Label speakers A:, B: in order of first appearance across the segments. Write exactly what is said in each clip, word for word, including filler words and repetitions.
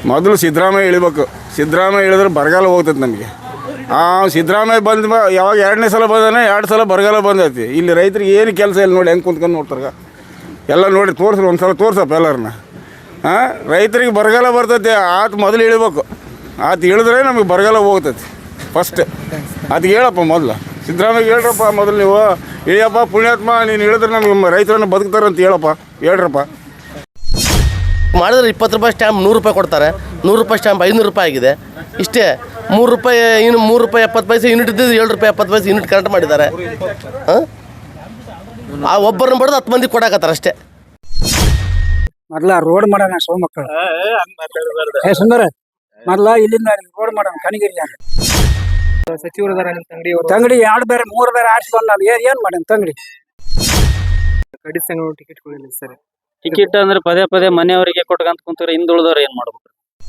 A: ಮೊದಲು ಸಿದ್ದರಾಮಯ್ಯ ಇಳಿಬೇಕು. ಸಿದ್ದರಾಮಯ್ಯ ಇಳಿದ್ರೆ ಬರಗಾಲ ಹೋಗ್ತೈತೆ ನಮಗೆ. ಆ ಸಿದ್ದರಾಮಯ್ಯ ಬಂದ ಯಾವಾಗ ಎರಡನೇ ಸಲ ಬಂದಾನೆ, ಎರಡು ಸಲ ಬರಗಾಲ ಬಂದೈತಿ. ಇಲ್ಲಿ ರೈತರಿಗೆ ಏನು ಕೆಲಸ ಇಲ್ಲ ನೋಡಿ, ಹೆಂಗೆ ಕುಂತ್ಕೊಂಡು ನೋಡ್ತಾರೆ ಎಲ್ಲ ನೋಡಿ. ತೋರಿಸ್ರಿ ಒಂದು ಸಲ ತೋರ್ಸಪ್ಪ ಎಲ್ಲರನ್ನ. ಹಾಂ, ರೈತರಿಗೆ ಬರಗಾಲ ಬರ್ತೈತಿ. ಆತ ಮೊದಲು ಇಳಿಬೇಕು. ಆತ ಇಳಿದ್ರೆ ನಮಗೆ ಬರಗಾಲ ಹೋಗ್ತೈತಿ ಫಸ್ಟ್. ಅದಕ್ಕೆ ಹೇಳಪ್ಪ ಮೊದಲು ಸಿದ್ದರಾಮಯ್ಯ ಹೇಳ್ರಪ್ಪ ಮೊದಲು ನೀವು ಇಳಿಯಪ್ಪ ಪುಣ್ಯಾತ್ಮ, ನೀನು ಇಳಿದ್ರೆ ನಮಗೆ ರೈತರನ್ನು ಬದುಕ್ತಾರೆ ಅಂತ ಹೇಳಪ್ಪ, ಹೇಳ್ರಪ್ಪ.
B: ಮಾಡಿದ್ರೆ ಇಪ್ಪತ್ತು ರೂಪಾಯಿ ಸ್ಟ್ಯಾಂಪ್ ನೂರು ರೂಪಾಯಿ ಕೊಡ್ತಾರೆ. ನೂರು ರೂಪಾಯಿ ಸ್ಟ್ಯಾಂಪ್ ಐನೂರು ರೂಪಾಯಿ ಆಗಿದೆ. ಇಷ್ಟೇ. ಮೂರು ರೂಪಾಯಿ ಇನ್ನು ಮೂರು ರೂಪಾಯಿ ಎಪ್ಪತ್ತು ಪೈಸೆ ಯೂನಿಟ್ ಇದ್ದಿದ್ದು ಏಳು ರೂಪಾಯಿ ಎಪ್ಪತ್ತು ಪೈಸೆ ಯೂನಿಟ್ ಕರೆಂಟ್ ಮಾಡಿದ್ದಾರೆ. ಹಾಂ, ಆ ಒಬ್ಬರನ್ನ ಬಡ್ದು ಹತ್ತು ಮಂದಿ ಕೊಡಾಕತ್ತಾರೆ ಅಷ್ಟೇ.
C: ಮೊದ್ಲ ರೋಡ್ ಮಾಡೋಣ ಸೋಮಕ್ಕಳು ಏ ಸುಂದರ, ಮೊದ್ಲ ಇಲ್ಲಿಂದ ರೋಡ್ ಮಾಡೋಣ ಕನಗಿರಿ
D: ಸಚಿವರು ತಂಗಡಿ
C: ತಂಗಡಿ ಎರಡು ಬೇರೆ ಮೂರು ಬೇರೆ ಆರಿಸಿ ಬಂದ ಏನ್ ಏನ್ ಮಾಡೋಣ ತಂಗಡಿ
D: ಕಡಿ ಸಂಘ ಟಿಕೆಟ್ ಕೊಡಲಿಲ್ಲ ಸರ್.
E: ಟಿಕೆಟ್ ಅಂದ್ರೆ ಪದೇ ಪದೇ ಮನೆಯವರಿಗೆ ಕೊಟ್ಕಂತ ಕುಂತಾರೆ, ಹಿಂದುಳಿದವ್ರು ಏನ್ ಮಾಡ್ಬೇಕು?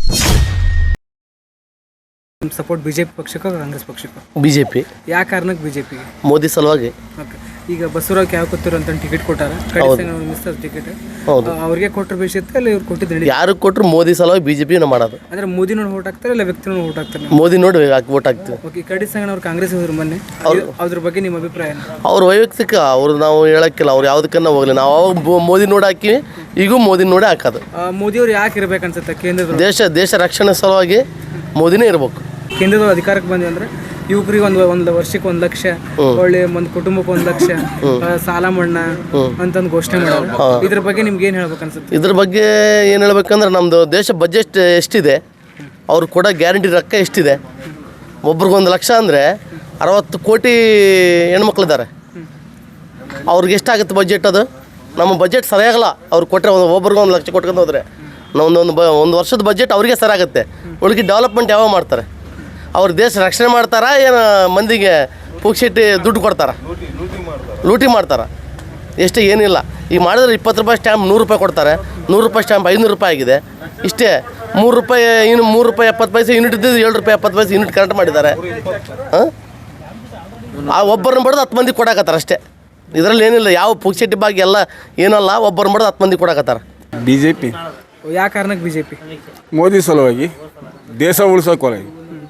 D: ಸಪೋರ್ಟ್ ಬಿಜೆಪಿ ಪಕ್ಷಕ್ಕೋ ಕಾಂಗ್ರೆಸ್ ಪಕ್ಷಕ್ಕೋ?
B: ಬಿಜೆಪಿ.
D: ಯಾವ ಕಾರಣಕ್ಕೆ ಬಿಜೆಪಿಗೆ?
B: ಮೋದಿ ಸಲುವಾಗಿ.
D: ಈಗ ಬಸವರಾಜ್ ಯಾವ ಕೂತಿರೋ ಅಂತ ಟಿಕೆಟ್ ಕೊಟ್ಟಾರ, ಮಿಸ್ ಟಿಕೆಟ್ ಅವ್ರಿಗೆ ಕೊಟ್ಟರೆ ಬೇಸಿತ್ತೆ ಅಲ್ಲ ಇವ್ರು ಕೊಟ್ಟಿದ್ದು?
B: ಯಾರು ಕೊಟ್ಟರು ಮೋದಿ ಸಲುವಾಗಿ ಬಿಜೆಪಿ ಮಾಡೋದು.
D: ಅಂದ್ರೆ ಮೋದಿ ನೋಡಿ ಓಟ್ ಹಾಕ್ತಾರೆ ಇಲ್ಲ ವ್ಯಕ್ತಿ ನೋಡಿ ಓಟ್ ಹಾಕ್ತಾರೆ?
B: ಮೋದಿ ನೋಡಿ ಓಟ್ ಹಾಕ್ತೀವಿ.
D: ಓಕೆ, ಕಡಿ ಸಂಘ ಕಾಂಗ್ರೆಸ್ ಹೋದ್ರು ಮೊನ್ನೆ, ಅದ್ರ ಬಗ್ಗೆ ನಿಮ್ಮ ಅಭಿಪ್ರಾಯ?
B: ಅವ್ರ ವೈಯಕ್ತಿಕ, ಅವ್ರು ನಾವು ಹೇಳಕ್ಕಿಲ್ಲ. ಅವ್ರು ಯಾವ್ದಕ್ಕನ್ನ ಹೋಗ್ಲಿ, ನಾವು ಅವಾಗ ಮೋದಿ ನೋಡಿ ಹಾಕಿವಿ, ಈಗೂ ಮೋದಿ ನೋಡಿ ಹಾಕೋದು.
D: ಮೋದಿ ಅವ್ರು ಯಾಕೆ ಇರ್ಬೇಕು ಅನ್ಸುತ್ತೆ ಕೇಂದ್ರದ?
B: ದೇಶ ದೇಶ ರಕ್ಷಣೆ ಸಲುವಾಗಿ ಮೋದಿನೇ ಇರ್ಬೇಕು.
D: ಕೇಂದ್ರದ ಅಧಿಕಾರಕ್ಕೆ ಬಂದ್ವಿ ಅಂದ್ರೆ ಯುವಕರಿಗೆ ಒಂದು ಒಂದು ವರ್ಷಕ್ಕೆ ಒಂದು ಲಕ್ಷ, ಒಳ್ಳೆ ಒಂದು ಕುಟುಂಬಕ್ಕೆ ಒಂದು ಲಕ್ಷ ಸಾಲ ಮನ್ನಾ ಅಂತಂದು ಘೋಷಣೆ ಮಾಡೋದು. ಇದ್ರ ಬಗ್ಗೆ ನಿಮ್ಗೆ ಏನು ಹೇಳ್ಬೇಕು ಅನ್ಸುತ್ತೆ?
B: ಇದ್ರ ಬಗ್ಗೆ ಏನು ಹೇಳ್ಬೇಕಂದ್ರೆ, ನಮ್ಮದು ದೇಶ ಬಜೆಟ್ ಎಷ್ಟಿದೆ, ಅವ್ರು ಕೊಡೋ ಗ್ಯಾರಂಟಿ ರೊಕ್ಕ ಎಷ್ಟಿದೆ? ಒಬ್ರಿಗೊಂದು ಲಕ್ಷ ಅಂದರೆ ಅರವತ್ತು ಕೋಟಿ ಹೆಣ್ಮಕ್ಳಿದ್ದಾರೆ. ಅವ್ರಿಗೆ ಎಷ್ಟಾಗುತ್ತೆ ಬಜೆಟ್? ಅದು ನಮ್ಮ ಬಜೆಟ್ ಸರಿಯಾಗಲ್ಲ. ಅವ್ರು ಕೊಟ್ಟರೆ ಒಂದು ಒಬ್ರಿಗೊಂದು ಲಕ್ಷ ಕೊಟ್ಕೊಂಡು ಹೋದರೆ ನಾವೊಂದೊಂದು ಬ ಒಂದು ವರ್ಷದ ಬಜೆಟ್ ಅವ್ರಿಗೆ ಸರಿಯಾಗುತ್ತೆ. ಉಳಿಕೆ ಡೆವಲಪ್ಮೆಂಟ್ ಯಾವಾಗ ಮಾಡ್ತಾರೆ? ಅವ್ರು ದೇಶ ರಕ್ಷಣೆ ಮಾಡ್ತಾರಾ ಏನು ಮಂದಿಗೆ ಪುಕ್ಷಿಟ್ಟು ದುಡ್ಡು ಕೊಡ್ತಾರ, ಲೂಟಿ ಮಾಡ್ತಾರ? ಎಷ್ಟೇ ಏನಿಲ್ಲ. ಈಗ ಮಾಡಿದ್ರೆ ಇಪ್ಪತ್ತು ರೂಪಾಯಿ ಸ್ಟ್ಯಾಂಪ್ ನೂರು ರೂಪಾಯಿ ಕೊಡ್ತಾರೆ. ನೂರು ರೂಪಾಯಿ ಸ್ಟ್ಯಾಂಪ್ ಐನೂರು ರೂಪಾಯಿ ಆಗಿದೆ. ಇಷ್ಟೇ. ಮೂರು ರೂಪಾಯಿ ಇನ್ನು ಮೂರು ರೂಪಾಯಿ ಎಪ್ಪತ್ತು ಪೈಸೆ ಯೂನಿಟ್ ಇದ್ದಿದ್ದು ಏಳು ರೂಪಾಯಿ ಎಪ್ಪತ್ತು ಪೈಸೆ ಯೂನಿಟ್ ಕರೆಂಟ್ ಮಾಡಿದ್ದಾರೆ. ಹಾಂ, ಆ ಒಬ್ಬರನ್ನ ಬಡ್ದು ಹತ್ತು ಮಂದಿ ಕೊಡಾಕತ್ತಾರೆ ಅಷ್ಟೇ. ಇದರಲ್ಲಿ ಏನಿಲ್ಲ, ಯಾವ ಪುಕ್ಷಿಟ್ಟು ಬಾಗಿ ಎಲ್ಲ ಏನಲ್ಲ. ಒಬ್ಬರನ್ನ ಬಡ್ದು ಹತ್ತು ಮಂದಿ ಕೊಡಾಕತ್ತಾರೆ.
A: B J P.
D: ಯಾವ ಕಾರಣಕ್ಕೆ ಬಿಜೆಪಿ?
A: ಮೋದಿ ಸಲುವಾಗಿ, ದೇಶ ಉಳಿಸೋಕೊಳಗೆ.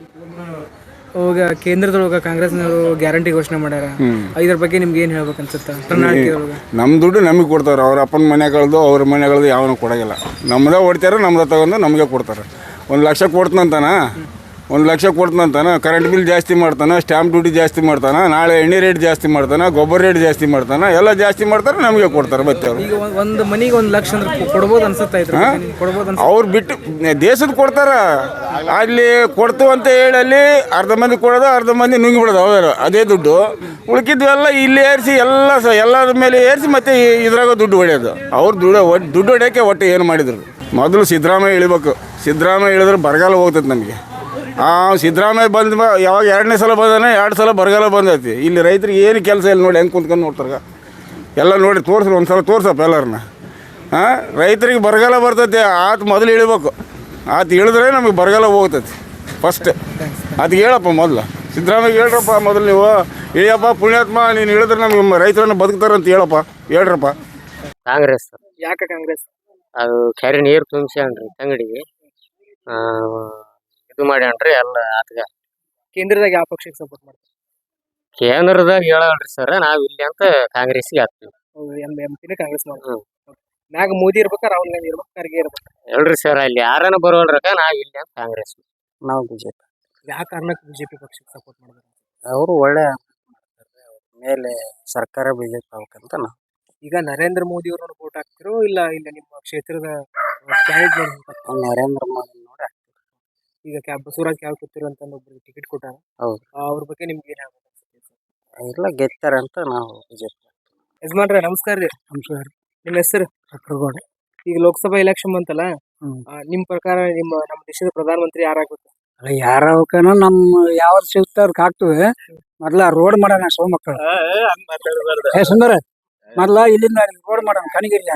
D: ಹೋಗ ಕೇಂದ್ರದೊಳಗೆ ಕಾಂಗ್ರೆಸ್ನವರು ಗ್ಯಾರಂಟಿ ಘೋಷಣೆ ಮಾಡ್ಯಾರ. ಇದ್ರ ಬಗ್ಗೆ ನಿಮ್ಗೆ ಏನು ಹೇಳ್ಬೇಕು ಅನ್ಸುತ್ತೆ? ಪ್ರಣಾಳಿಕೆ
A: ನಮ್ಮ ದುಡ್ಡು ನಮಗೆ ಕೊಡ್ತಾರೆ. ಅವ್ರ ಅಪ್ಪನ ಮನೆಗಳದ್ದು ಅವ್ರ ಮನೆಗಳದ್ದು ಯಾವನು ಕೊಡೋಂಗಿಲ್ಲ. ನಮ್ಮದೇ ಹೊಡ್ತಾರೆ, ನಮ್ದು ತಗೊಂಡು ನಮಗೆ ಕೊಡ್ತಾರೆ. ಒಂದು ಲಕ್ಷ ಕೊಡ್ತಂತಾನ, ಒಂದು ಲಕ್ಷ ಕೊಡ್ತಂತಾನ, ಕರೆಂಟ್ ಬಿಲ್ ಜಾಸ್ತಿ ಮಾಡ್ತಾನೆ, ಸ್ಟ್ಯಾಂಪ್ ಡ್ಯೂಟಿ ಜಾಸ್ತಿ ಮಾಡ್ತಾನೆ, ನಾಳೆ ಎಣ್ಣೆ ರೇಟ್ ಜಾಸ್ತಿ ಮಾಡ್ತಾನೆ, ಗೊಬ್ಬರ ರೇಟ್ ಜಾಸ್ತಿ ಮಾಡ್ತಾನೆ, ಎಲ್ಲ ಜಾಸ್ತಿ ಮಾಡ್ತಾರೆ, ನಮಗೆ ಕೊಡ್ತಾರೆ. ಮತ್ತೆ ಅವರು
D: ಈಗ ಒಂದು ಮನಿಗೆ ಒಂದು ಲಕ್ಷ ಅಂದ್ರೆ ಕೊಡ್ಬೋದು ಅನ್ಸುತ್ತೆ. ಕೊಡ್ಬೋದು
A: ಅವ್ರು ಬಿಟ್ಟು ದೇಶದ ಕೊಡ್ತಾರ. ಅಲ್ಲಿ ಕೊಡ್ತು ಅಂತ ಹೇಳಿ ಅಲ್ಲಿ ಅರ್ಧ ಮಂದಿ ಕೊಡೋದು, ಅರ್ಧ ಮಂದಿ ನುಂಗಿ ಬಿಡೋದು. ಅವರು ಅದೇ ದುಡ್ಡು ಉಳ್ಕಿದ್ವೆಲ್ಲ ಇಲ್ಲಿ ಏರಿಸಿ ಎಲ್ಲ ಸ ಎಲ್ಲರ ಮೇಲೆ ಏರಿಸಿ ಮತ್ತೆ ಇದ್ರಾಗ ದುಡ್ಡು ಹೊಡೆಯೋದು. ಅವ್ರು ದುಡ್ಡು ದುಡ್ಡು ಹೊಡೆಯೋಕ್ಕೆ ಒಟ್ಟು ಏನು ಮಾಡಿದ್ರು? ಮೊದಲು ಸಿದ್ದರಾಮಯ್ಯ ಇಳಿಬೇಕು. ಸಿದ್ದರಾಮಯ್ಯ ಇಳಿದ್ರೆ ಬರಗಾಲ ಹೋಗ್ತೈತೆ ನಮಗೆ. ಆ ಸಿದ್ದರಾಮಯ್ಯ ಬಂದ ಯಾವಾಗ ಎರಡನೇ ಸಲ ಬಂದಾನೆ, ಎರಡು ಸಲ ಬರಗಾಲ ಬಂದೈತಿ. ಇಲ್ಲಿ ರೈತರಿಗೆ ಏನು ಕೆಲಸ ಇಲ್ಲ ನೋಡಿ, ಹೆಂಗೆ ಕುಂತ್ಕೊಂಡು ನೋಡ್ತಾರೆ ಎಲ್ಲ ನೋಡಿ. ತೋರಿಸ್ರಿ ಒಂದು ಸಲ ತೋರ್ಸಪ್ಪ ಎಲ್ಲರನ್ನ. ಹಾಂ, ರೈತರಿಗೆ ಬರಗಾಲ ಬರ್ತೈತಿ. ಆತ ಮೊದಲು ಇಳಿಬೇಕು. ಆತ ಇಳಿದ್ರೆ ನಮಗೆ ಬರಗಾಲ ಹೋಗ್ತೈತಿ ಫಸ್ಟ್. ಅದಕ್ಕೆ ಹೇಳಪ್ಪ ಮೊದಲು ಸಿದ್ದರಾಮಯ್ಯ ಹೇಳ್ರಪ್ಪ ಮೊದಲು ನೀವು ಇಳಿಯಪ್ಪ ಪುಣ್ಯಾತ್ಮ, ನೀನು ಇಳಿದ್ರೆ ನಮಗೆ ರೈತರನ್ನು ಬದುಕ್ತಾರೆ ಅಂತ ಹೇಳಪ್ಪ, ಹೇಳ್ರಪ್ಪ.
E: ಕಾಂಗ್ರೆಸ್.
D: ಯಾಕೆ ಕಾಂಗ್ರೆಸ್?
E: ಅದು ಕೆರೆ ನೀರು ತುಂಬಿಸ್ಯಾನ್ರಿ ತಂಗಡಿಗೆ, ಇದು ಮಾಡ್ಯಾನ್ರಿ ಎಲ್ಲ ಆತಗ.
D: ಕೇಂದ್ರದಾಗ ಯಾವ ಪಕ್ಷಕ್ಕೆ ಸಪೋರ್ಟ್ ಮಾಡ್ತಾರೆ?
E: ಕೇಂದ್ರದಾಗ ಹೇಳಲ್ರಿ ಸರ್, ನಾವ್ ಇಲ್ಲಿ ಅಂತ ಕಾಂಗ್ರೆಸ್ಗೆ ಹಾಕ್ತೀವಿ.
D: ಎಂ ಎಂ ಪಿನ ಕಾಂಗ್ರೆಸ್ ಮಾಡ್ತೀವಿ. ಮ್ಯಾಗ ಮೋದಿ ಇರ್ಬೇಕಾ ರಾಹುಲ್ ಗಾಂಧಿ ಇರ್ಬೇಕು, ಖರ್ಗೆ ಇರ್ಬೇಕು?
E: ಹೇಳ್ರಿ ಸರ್, ಅಲ್ಲಿ ಯಾರನ್ನ ಬರೋಲ್ರಕ ನಾವ್ ಇಲ್ಲಿ ಅಂತ ಕಾಂಗ್ರೆಸ್.
C: ನಾವು ಬಿಜೆಪಿ.
D: ಯಾವ ಕಾರಣಕ್ಕೆ ಬಿಜೆಪಿ ಪಕ್ಷಕ್ಕೆ ಸಪೋರ್ಟ್ ಮಾಡ್ತಾರೆ?
C: ಅವರು ಒಳ್ಳೆ ಮೇಲೆ ಸರ್ಕಾರ ಬಿಜೆಪಿ ಆಗ್ಬೇಕಂತ ನಾವು.
D: ಈಗ ನರೇಂದ್ರ ಮೋದಿ ಅವ್ರನ್ನ ವೋಟ್ ಹಾಕ್ತಿರೋ ಇಲ್ಲ ಇಲ್ಲ ನಿಮ್ಮ ಕ್ಷೇತ್ರದ ಕ್ಯಾಂಡಿಡೇಟ್
C: ನರೇಂದ್ರ ಮೋದಿ ನೋಡಿ.
D: ಈಗ ಕ್ಯಾಬ್ ಬಸವರಾಜ್ ಕ್ಯಾಬ್ ಕೂತಿರೋ ಅಂತ ಒಬ್ರಿಗೆ ಟಿಕೆಟ್ ಕೊಟ್ಟಾರ.
C: ಹೌದು.
D: ಅವ್ರ ಬಗ್ಗೆ ನಿಮ್ಗೆ ಏನ್ ಹೇಳ್ಬೇಕು ಅನ್ಸುತ್ತೆ?
C: ಎಲ್ಲ ಗೆತ್ತಾರೆ ಅಂತ ನಾವು ಬಿಜೆಪಿ.
D: ಯಜಮಾನ್ರೆ ನಮಸ್ಕಾರ ರೀ.
C: ನಮಸ್ಕಾರ.
D: ನಿಮ್ಮ ಹೆಸರು?
C: ಚಕ್ರಗೌಡ.
D: ಈಗ ಲೋಕಸಭಾ ಎಲೆಕ್ಷನ್ ಬಂತಲ್ಲ, ನಿಮ್ ಪ್ರಕಾರ ನಿಮ್ಮ ನಮ್ಮ ದೇಶದ ಪ್ರಧಾನಮಂತ್ರಿ ಯಾರಾಗ್ಬೇಕು?
C: ಯಾರ ನಮ್ಮ ಯಾವ್ದು ಸಿಗ್ತ ಅದಕ್ಕೆ ಹಾಕ್ತಿವಿ. ಮೊದ್ಲ ರೋಡ್ ಮಾಡೋಣ ಸೋಮಕ್ಕಳು ಏ ಸುಂದರ, ಮೊದ್ಲ ಇಲ್ಲಿಂದ ರೋಡ್ ಮಾಡೋಣ ಕನಗಿರಿ.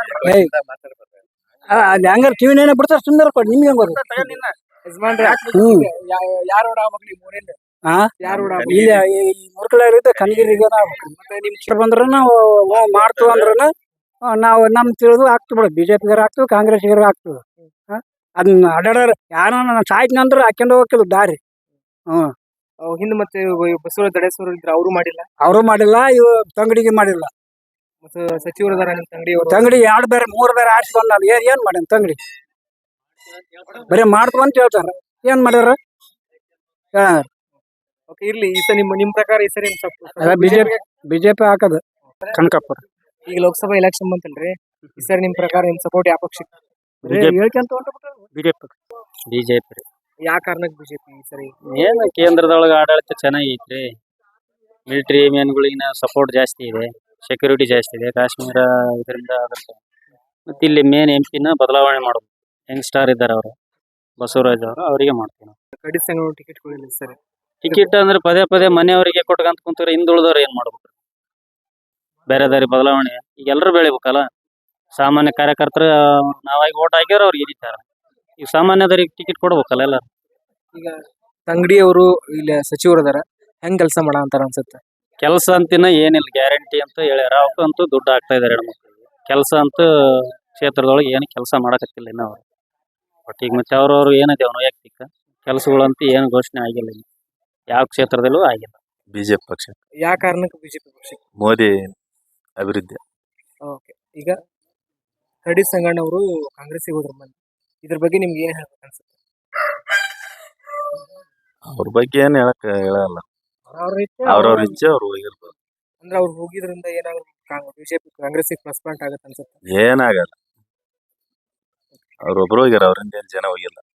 C: ಅಲ್ಲಿ ಹಂಗಾರ ಕಿವಿನೇನ ಬಿಡ್ತಾರ ಸುಂದರ ಕೊಡಿ ನಿಮ್ಗೆ ಹೆಂಗ್ ಬರ್ತದೆ?
D: ಯಜಮಾನ್ರೆ ಯಾರು ಓಡಾಗ್ಬೇಕು ನಿಮ್ಮ ಊರಿಂದ?
C: ಹಾ,
D: ಯಾರು
C: ಇಲ್ಲಿ ಮುರ್ಕಳ ಕನಗಿರಿಗೆ ಮತ್ತೆ ನಿಮ್ ಇಷ್ಟ ಬಂದ್ರ ನಾವು ಮಾಡ್ತೀವಿ ಅಂದ್ರ ನಾವು ನಮ್ ತಿಳಿದು ಹಾಕ್ತಿವಿ ಬಿಡ. ಬಿಜೆಪಿಗಾರ ಹಾಕ್ತಿವಿ, ಕಾಂಗ್ರೆಸ್ಗಾರ ಹಾಕ್ತಿವಿ. ಅದನ್ನ ಅಡ್ಯಾಡ ಯಾರ ಸಾಯ್ತೀನಿ ಅಂದ್ರೆ ಹಾಕ್ಯಂಡು ಹೋಗಿಲ್ಲ ದಾರಿ ಹ್ಮ್
D: ಅವ್ ಹಿಂದ್ ಮತ್ತೆ ಇವ್ ಬಸವರಾಜ ದಡೇಶ್ವರ ಇದ್ರ ಅವರು ಮಾಡಿಲ್ಲ.
C: ಅವರು ಮಾಡಿಲ್ಲ ಇವ್ ತಂಗಡಿಗೆ ಮಾಡಿಲ್ಲ.
D: ಮತ್ತೆ ಸಚಿವರು ಅದಾರ ನಿಮ್ ತಂಗಡಿ
C: ತಂಗಡಿ ಎರಡು ಬೇರೆ ಮೂರ್ ಬೇರೆ ಆರ್ಸಿ ಬಂದಲ್ಲ ಏನ್ ಏನ್ ಮಾಡ್ಯಾನ ತಂಗಡಿ ಬರೀ ಮಾಡ್ತು ಅಂತ ಹೇಳ್ತಾರ ಏನ್ ಮಾಡ್ಯಾರ. ಹಾ
D: ಓಕೆ ಇರ್ಲಿ. ಈ ಸರಿ ನಿಮ್ಮ ನಿಮ್ ಪ್ರಕಾರ ಈ ಸರಿ
C: ಬಿಜೆಪಿ ಬಿಜೆಪಿ ಹಾಕದು ಕನಕಪುರ.
D: ಈಗ ಲೋಕಸಭಾ ಎಲೆಕ್ಷನ್ ಬಂತಲ್ರಿ, ಈ ಸರಿ ನಿಮ್ ಪ್ರಕಾರ ನಿಮ್ ಸಪೋರ್ಟ್ ಯಾವ ಪಕ್ಷಕ್ಕೆ?
C: ಹೇಳ್ಕೊಂತ
E: ಬಿಜೆಪಿ ಬಿಜೆಪಿ
D: ಯಾವ ಕಾರಣಕ್ಕೆ ಬಿಜೆಪಿ ಈ ಸರಿ?
E: ಏನು ಕೇಂದ್ರದೊಳಗ ಆಡಳಿತ ಚೆನ್ನಾಗೈತ್ರಿ. ಮಿಲಿಟರಿ ಮ್ಯಾನ್ಗಳಿಗಿನ ಸಪೋರ್ಟ್ ಜಾಸ್ತಿ ಇದೆ, ಸೆಕ್ಯೂರಿಟಿ ಜಾಸ್ತಿ ಇದೆ. ಕಾಶ್ಮೀರ ಇದರಿಂದ ಆಗುತ್ತೆ. ಮತ್ತೆ ಇಲ್ಲಿ ಮೇನ್ ಎಂ ಪಿನ ಬದಲಾವಣೆ ಮಾಡೋದು. ಯಂಗ್ ಸ್ಟಾರ್ ಇದ್ದಾರೆ ಅವರು, ಬಸವರಾಜ್ ಅವರು, ಅವರಿಗೆ ಮಾಡ್ತೀವಿ ನಾವು.
D: ಕಡಿ ಸಂಘ ಟಿಕೆಟ್ ಕೊಡಿಲ್ಲ ಸರಿ.
E: ಟಿಕೆಟ್ ಅಂದ್ರೆ ಪದೇ ಪದೇ ಮನೆಯವರಿಗೆ ಕೊಟ್ಕಂತ ಕುಂತಾರೆ, ಹಿಂದುಳಿದವ್ರು ಏನ್ ಮಾಡ್ಬೇಕು? ಬೇರೆ ದಾರಿ ಬದಲಾವಣೆ ಈಗ ಎಲ್ಲರೂ ಬೆಳಿಬೇಕಲ್ಲ. ಸಾಮಾನ್ಯ ಕಾರ್ಯಕರ್ತರು ನಾವಾಗಿ ಓಟ್ ಹಾಕ್ಯಾರ ಅವ್ರಿಗೆ ಗೆದ್ದಿತ್ತಾರ. ಈಗ ಸಾಮಾನ್ಯದವ್ರಿಗೆ ಟಿಕೆಟ್ ಕೊಡ್ಬೇಕಲ್ಲ ಎಲ್ಲರೂ.
D: ಈಗ ತಂಗಡಿ ಅವರು ಇಲ್ಲಿ ಸಚಿವರು ಅದಾರ, ಹೆಂಗ್ ಕೆಲಸ ಮಾಡ ಅಂತಾರ ಅನ್ಸುತ್ತೆ?
E: ಕೆಲಸ ಅಂತಿನ ಏನಿಲ್ಲ, ಗ್ಯಾರಂಟಿ ಅಂತ ಹೇಳ್ಯಾರ. ಅವಕ್ಕಂತೂ ದುಡ್ಡು ಹಾಕ್ತಾ ಇದಾರೆ ಹೆಣ್ಮಕ್ಳಿಗೆ. ಕೆಲಸ ಅಂತೂ ಕ್ಷೇತ್ರದೊಳಗೆ ಏನು ಕೆಲಸ ಮಾಡಕತ್ತಿಲ್ಲ ಇನ್ನ ಅವ್ರು. ಬಟ್ ಈಗ ಮತ್ತೆ ಅವ್ರವ್ರು ಏನಿದೆ ಅವ್ನ ವೈಯಕ್ತಿಕ ಕೆಲಸಗಳಂತೂ ಏನು ಘೋಷಣೆ ಆಗಿಲ್ಲ ಇನ್ನು. ಯಾವ ಕ್ಷೇತ್ರದಲ್ಲೂ ಆಗಿಲ್ಲ.
F: ಬಿಜೆಪಿ ಪಕ್ಷ
D: ಯಾವ ಕಾರಣಕ್ಕೆ ಬಿಜೆಪಿ ಪಕ್ಷಕ್ಕೆ?
F: ಮೋದಿ ಅಭಿವೃದ್ಧಿ.
D: ಓಕೆ. ಈಗ ಕಡಿ ಸಂಗಣ್ಣವರು ಕಾಂಗ್ರೆಸ್ಸಿಗೆ ಹೋದ್ರ ಮಂದಿ, ಇದ್ರ ಬಗ್ಗೆ ನಿಮ್ಗೆ ಏನ್ ಹೇಳ್ಬೇಕು ಅನ್ಸುತ್ತೆ?
F: ಅವ್ರ ಬಗ್ಗೆ ಏನ್ ಹೇಳಕ್ ಹೇಳಲ್ಲ. ಅವ್ರವ್ರ ಇಚ್ಛೆ ಅವ್ರು ಹೋಗಿರ್ಬೋದು.
D: ಅಂದ್ರೆ ಅವ್ರು ಹೋಗಿದ್ರಿಂದ ಏನಾದ್ರು ಬಿಜೆಪಿ ಕಾಂಗ್ರೆಸ್ಸಿಗೆ ಪ್ಲಸ್ ಪಾಯಿಂಟ್ ಆಗತ್ತೆ ಅನ್ಸುತ್ತೆ?
F: ಏನಾಗಲ್ಲ. ಅವ್ರೊಬ್ರು ಹೋಗ್ಯಾರ, ಅವ್ರಿಂದ ಏನ್ ಜನ ಹೋಗಿಲ್ಲ.